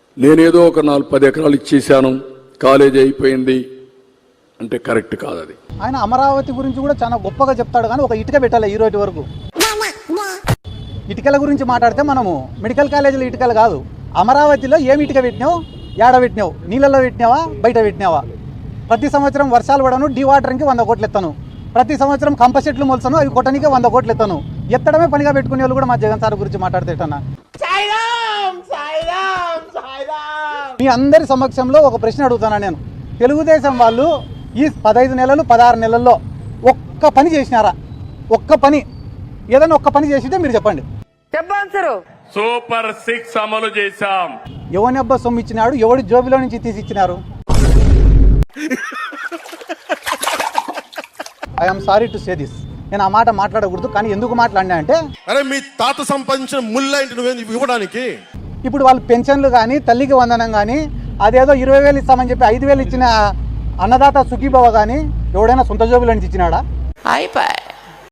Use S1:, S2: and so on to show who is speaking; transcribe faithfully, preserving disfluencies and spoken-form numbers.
S1: నేనేదో ఒక నాలుగు పది ఎకరాలు ఇచ్చేసాను, కాలేజీ అయిపోయింది అంటే కరెక్ట్ కాదు అది.
S2: ఆయన అమరావతి గురించి కూడా చాలా గొప్పగా చెప్తాడు, కానీ ఒక ఇటుక పెట్టాలి ఈ రోజు వరకు. ఇటుకల గురించి మాట్లాడితే మనము మెడికల్ కాలేజీలో ఇటుకలు కాదు, అమరావతిలో ఏమి ఇటుక పెట్టినావు, ఏడ పెట్టినావు, నీళ్ళలో పెట్టినావా, బయట పెట్టినావా? ప్రతి సంవత్సరం వర్షాలు పడను, డీవాటరింగ్కి వంద కోట్లు ఎత్తాను, ప్రతి సంవత్సరం కంప చెట్లు మొలసను, అవి కొట్టడానికి వంద కోట్లు ఎత్తాను. ఎత్తడమే పనిగా పెట్టుకునే వాళ్ళు కూడా మా జగన్ సార్ గురించి మాట్లాడితేటన్నా. మీ అందరి సమక్షంలో ఒక ప్రశ్న అడుగుతాను నేను. తెలుగుదేశం వాళ్ళు ఈ పదహైదు నెలలు పదహారు నెలల్లో ఒక్క పని చేసినారా? ఒక్క పని, ఏదైనా ఒక్క పని చేసింటే మీరు చెప్పండి.
S3: చెప్పారు.
S4: సూపర్ సిక్స్ అమలు చేశాం.
S2: ఎవరి అబ్బా సొమ్ము ఇచ్చినాడు, ఎవడి జోబిలో నుంచి తీసి ఇచ్చినారు? I'm sorry to say this. నేను ఆ మాట మాట్లాడకూడదు, కానీ ఎందుకు మాట్లాడినా అంటే,
S5: అరే మీ తాత సంపాదించిన ముళ్ళ ఇంటి నువ్వు ఇవ్వడానికి
S2: ఇప్పుడు వాళ్ళు పెన్షన్లు కానీ, తల్లికి వందనం కానీ, అదేదో ఇరవై వేలు ఇస్తామని చెప్పి ఐదు వేలు ఇచ్చిన అన్నదాత సుఖీభవ కానీ ఎవడైనా సొంత జోబులో నుంచి ఇచ్చినాడా?
S3: అయిపోయి